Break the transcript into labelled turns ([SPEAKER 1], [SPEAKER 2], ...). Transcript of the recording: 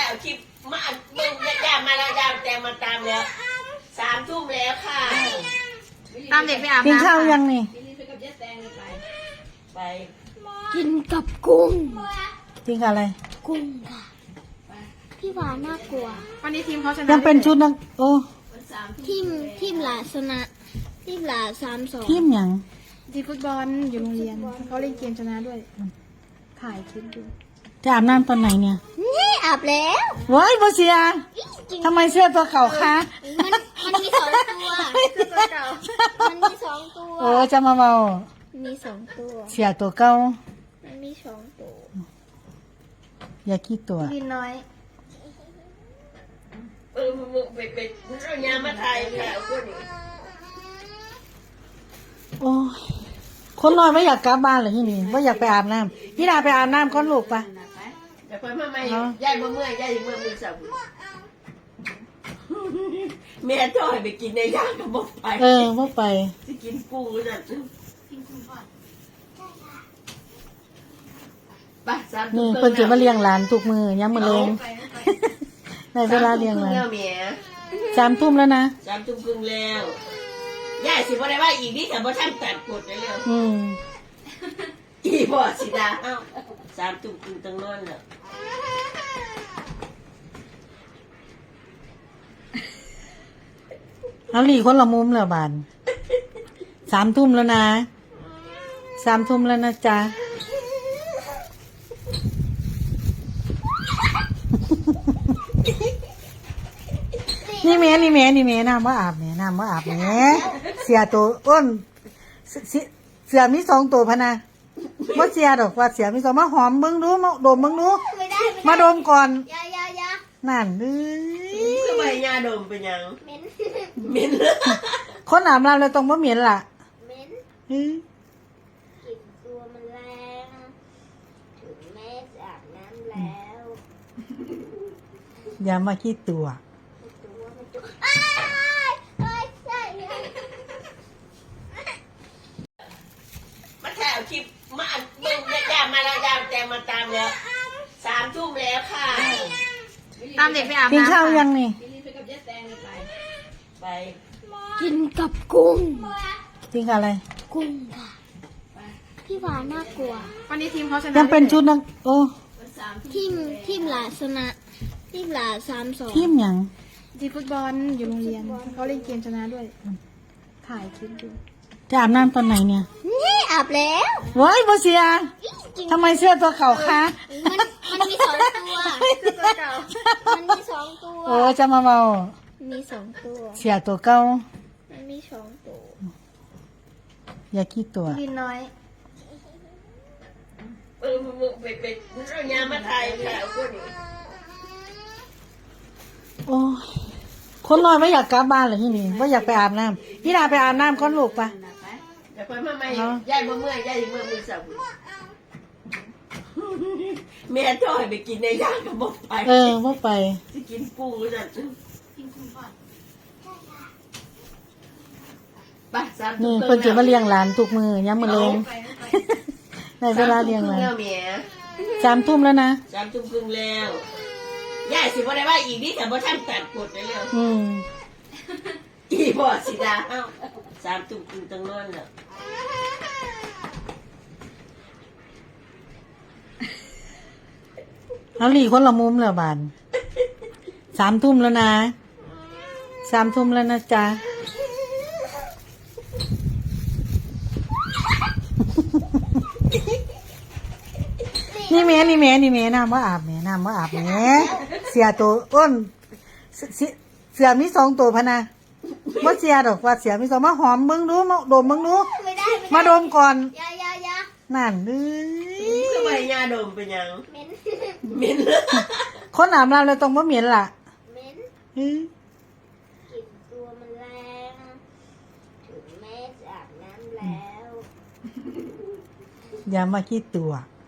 [SPEAKER 1] เอาคลิปมามึงยามมาแล้วยามแต่มาตามแล้ว3 ทุ่มแล้วค่ะ
[SPEAKER 2] ตามเด็กไปอาบ
[SPEAKER 3] กิน
[SPEAKER 2] น้ำ
[SPEAKER 3] ข้าวยังนี่
[SPEAKER 1] ไป
[SPEAKER 4] กินกับกุ้ง
[SPEAKER 3] กินกับอะไร
[SPEAKER 4] กุ้งค่ะ พี่หวานน่ากลัว
[SPEAKER 2] วันนี้ทีมเขาชนะ
[SPEAKER 3] ยังเป็นชุดนักโอ้
[SPEAKER 4] ทีมหลาชนะทีมหลา3-2
[SPEAKER 3] ทีมหยัง
[SPEAKER 2] ทีมฟุตบอลอยู่โรงเรียนเขาเล่นเกมชนะด้วย ถ่ายคลิปดู
[SPEAKER 3] จะอาบน้ำตอนไหนเนี่ย
[SPEAKER 4] นี่อาบแล้ว
[SPEAKER 3] ว้ายโบเซียทำไมเสื้อตัวเก่าคะ
[SPEAKER 4] มันมี2 ตัว
[SPEAKER 2] ตัวเก่า
[SPEAKER 4] มันมี2 ตัว
[SPEAKER 3] โอ้จะมาเมา
[SPEAKER 4] มี2 ตัว
[SPEAKER 3] เสียตัวเก่า
[SPEAKER 4] มันมี2 ตัว
[SPEAKER 3] อย่าขี้ตัว
[SPEAKER 2] ลินน้อย
[SPEAKER 1] มึงไปเอายามมาถ่ายแล้วพวกนี้
[SPEAKER 3] โอ้ยคนน้อยไม่อยากกลับบ้านเลยที่นี่ไม่อยากไปอาบน้ำพี่ดาไปอาบน้ำก้อนลูกปะ
[SPEAKER 1] แต่คนมาใหม่ยายมาเมื่อยยายเมื่อมือสับแม่จ่อยไปกินในย่างกับบอกไป
[SPEAKER 3] พวกไป
[SPEAKER 1] จะกินกุ้งนั่นไป3 ทุ่
[SPEAKER 3] นี่
[SPEAKER 1] ม
[SPEAKER 3] เพิ่นจะมาเลี้ยงหลานทุกมือย้ำมือเลงในเวลาเลี้ยงหลาน
[SPEAKER 1] แล้วเมีย
[SPEAKER 3] 3 ทุ่มแล้วนะ
[SPEAKER 1] 3 ทุ่มครึ่งแล้วยายสิบ่ได้ว่าอีกนี่แต่บ่ทันตัดกดเลยแล้ว อีบ่สิดาเอ้า3 ทุ่มครึ่งต้องนอนแล้ว
[SPEAKER 3] เอาหลีคนละมุมแล้วบาน3 ทุ่มแล้วนะ3 ทุ่มแล้วนะจ๊ะนี่แม่น้ำว่าอาบแม่น้ำว่าอาบแม่เสียตัวอ้นเสือมี2 ตัวพะนะว่าเสียดอกว่าเสียมี2มาหอมเบิ่งดูมาดมเบิ่งดู
[SPEAKER 4] ไม่ได้
[SPEAKER 3] มาดมก่อน
[SPEAKER 4] ยายา
[SPEAKER 3] นั่นเอ้ย
[SPEAKER 1] ทำไมยาดมเป็นหยัง
[SPEAKER 4] เหม็น
[SPEAKER 1] เหม็น
[SPEAKER 3] คนอาบน้ำเลยต้องบ่เหม็นล่ะ
[SPEAKER 4] เหม็น
[SPEAKER 3] เอ้ย
[SPEAKER 4] กลิ่นตัวมันแรงถึงแม้จะอาบน้ำแล้ว
[SPEAKER 3] อย่ามาขี้ตัว
[SPEAKER 4] ตัวมันจุกอ้ายเอ้ยใช่เลย
[SPEAKER 1] มาถ่ายเอาคลิปมามึงยามมาแล้วยามแต่มาตามแล้ว3 ทุ่มแล้วค่ะ
[SPEAKER 2] ตามเด็กไปอาบ
[SPEAKER 3] กิน
[SPEAKER 2] น้ำ
[SPEAKER 3] ข้าวยังนี่
[SPEAKER 1] ไป
[SPEAKER 4] กินกับกุ้ง
[SPEAKER 3] กินกับอะไร
[SPEAKER 4] กุ้งค่ะ พี่หวานน่ากลัว
[SPEAKER 2] วันนี้ทีมเขาชนะ
[SPEAKER 3] ยังเป็นชุดนักโอ้
[SPEAKER 4] ทีมหลาชนะทีมหลา3-2
[SPEAKER 3] ทีมหยัง
[SPEAKER 2] ทีมฟุตบอลอยู่โรงเรียนเขาเล่นเกมชนะด้วย ถ่ายคลิปดู
[SPEAKER 3] จะอาบน้ำตอนไหนเนี่ย
[SPEAKER 4] นี่อาบแล้ว
[SPEAKER 3] ว้ายโบเซียทำไมเสื้อตัวเก่าคะ
[SPEAKER 4] มันมี2 ตัว
[SPEAKER 2] ตัวเก่า
[SPEAKER 4] มันมี2 ตัว
[SPEAKER 3] โอ้จะมาเมา
[SPEAKER 4] มี2 ตัว
[SPEAKER 3] เสียตัวเก่า
[SPEAKER 4] มันมี2 ตัว
[SPEAKER 3] อย่าขี้ตัว
[SPEAKER 2] ลินน้อย
[SPEAKER 1] มึงไปเอายามมาถ่ายแล้วพวกนี้
[SPEAKER 3] โอ้ยคนน้อยไม่อยากกลับบ้านเลยที่นี่ไม่อยากไปอาบน้ำพี่ดาไปอาบน้ำก้อนลูกปะ
[SPEAKER 1] แต่คนมาใหม่ยายมาเมื่อยยายเมื่อมือสับแม่จ่อยไปกินในย่างกับบอกไป
[SPEAKER 3] พวกไป
[SPEAKER 1] จะกินกุ้งนั่นไป3 ทุ่
[SPEAKER 3] นี่
[SPEAKER 1] ม
[SPEAKER 3] เพิ่นจะมาเลี้ยงหลานทุกมือย้ำมือเลงในเวลาเลี้ยงหลาน
[SPEAKER 1] แล้วเมีย
[SPEAKER 3] 3 ทุ่มแล้วนะ
[SPEAKER 1] 3 ทุ่มครึ่งแล้วยายสิบ่ได้ว่าอีกนี่แต่บ่ทันตัดกดเลยแล้ว อีบ่สิดาเอ้า3 ทุ่มครึ่งต้องนอนแล้ว
[SPEAKER 3] เอาหลีคนละมุมแล้วบาน3 ทุ่มแล้วนะ3 ทุ่มแล้วนะจ๊ะนี่แม่น้ำว่าอาบแม่น้ำว่าอาบแม่เสียตัวอ้นเสือมี2 ตัวพะนะว่าเสียดอกว่าเสียมี2มาหอมเบิ่งดูมาดมเบิ่งดู
[SPEAKER 4] ไม่ได้
[SPEAKER 3] มาดมก่อน
[SPEAKER 4] ยายา
[SPEAKER 3] นั่นเอ้ย
[SPEAKER 1] ทำไมยาดมเป็นหยัง
[SPEAKER 4] เหม็น
[SPEAKER 1] เหม็น
[SPEAKER 3] คนอาบน้ำเลยต้องบ่เหม็นล่ะ
[SPEAKER 4] เหม็น
[SPEAKER 3] เอ้ย
[SPEAKER 4] กลิ่นตัวมันแรงถึงแม้จะอาบน้ำแล้ว
[SPEAKER 3] อย่ามาขี้ตัว
[SPEAKER 4] ม